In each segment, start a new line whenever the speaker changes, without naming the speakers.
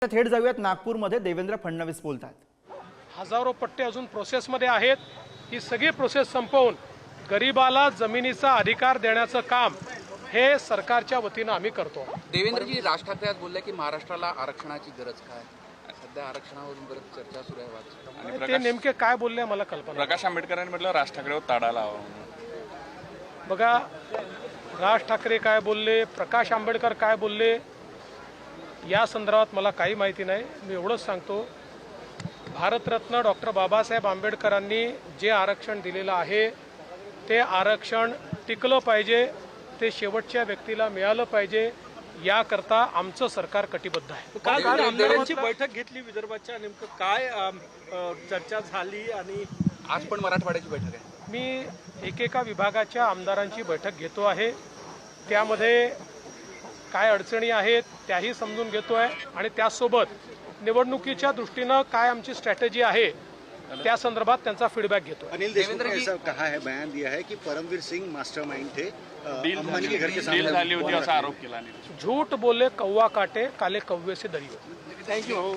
थेट जाऊयात नागपूरमध्ये देवेंद्र फडणवीस बोलतात।
हजारो पट्टे अजून प्रोसेसमध्ये आहेत। ही सगळी प्रोसेस संपवून गरीबाला जमिनीचा अधिकार देण्याचं काम हे सरकारच्या वतीनं आम्ही करतो।
देवेंद्रजी, राज ठाकरे आज बोलले की महाराष्ट्राला आरक्षणाची गरज काय? सध्या आरक्षणावरून बरंच चर्चा सुरू आहे।
ते नेमके काय बोलले मला कल्पना।
प्रकाश आंबेडकरांनी म्हटलं राज ठाकरेवर ताडा लावा।
बघा, राज ठाकरे काय बोलले, प्रकाश आंबेडकर काय बोलले, या संदर्भात मला काही माहिती नाही। मी एवढंच सांगतो, भारतरत्न डॉक्टर बाबासाहेब आंबेडकरांनी जे आरक्षण दिलेलं आहे ते आरक्षण टिकलं पाहिजे, ते शेवटच्या व्यक्तीला मिळालं पाहिजे, याकरता आमचं सरकार कटिबद्ध आहे।
काल आमदारांची बैठक घेतली विदर्भाच्या, नेमकं काय चर्चा झाली आणि
आज पण मराठवाड्याची बैठक आहे।
मी एकेका विभागाच्या आमदारांची बैठक घेतो आहे, त्यामध्ये काय अडचणी आहेत त्याही समजून घेतोय आणि त्यासोबत निवडणुकीच्या दृष्टीनं काय आमची स्ट्रॅटेजी आहे त्या संदर्भात त्यांचा फीडबॅक घेतो।
अनिल देशमुख ने ऐसा कहा है, बयान दिया है कि परमवीर सिंह मास्टरमाइंड थे, अंबानी के घर के सामने
डील झाली होती असा आरोप केला।
झूठ बोले कौवा काटे, काले कौवे से डरियो। थँक्यू।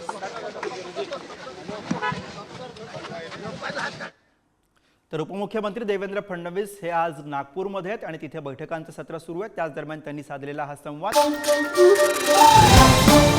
तर उपमुख्यमंत्री देवेंद्र फडणवीस हे आज नागपूरमध्ये आहेत आणि तिथे बैठकांचं सत्र सुरू आहे। त्याच दरम्यान त्यांनी साधलेला हा संवाद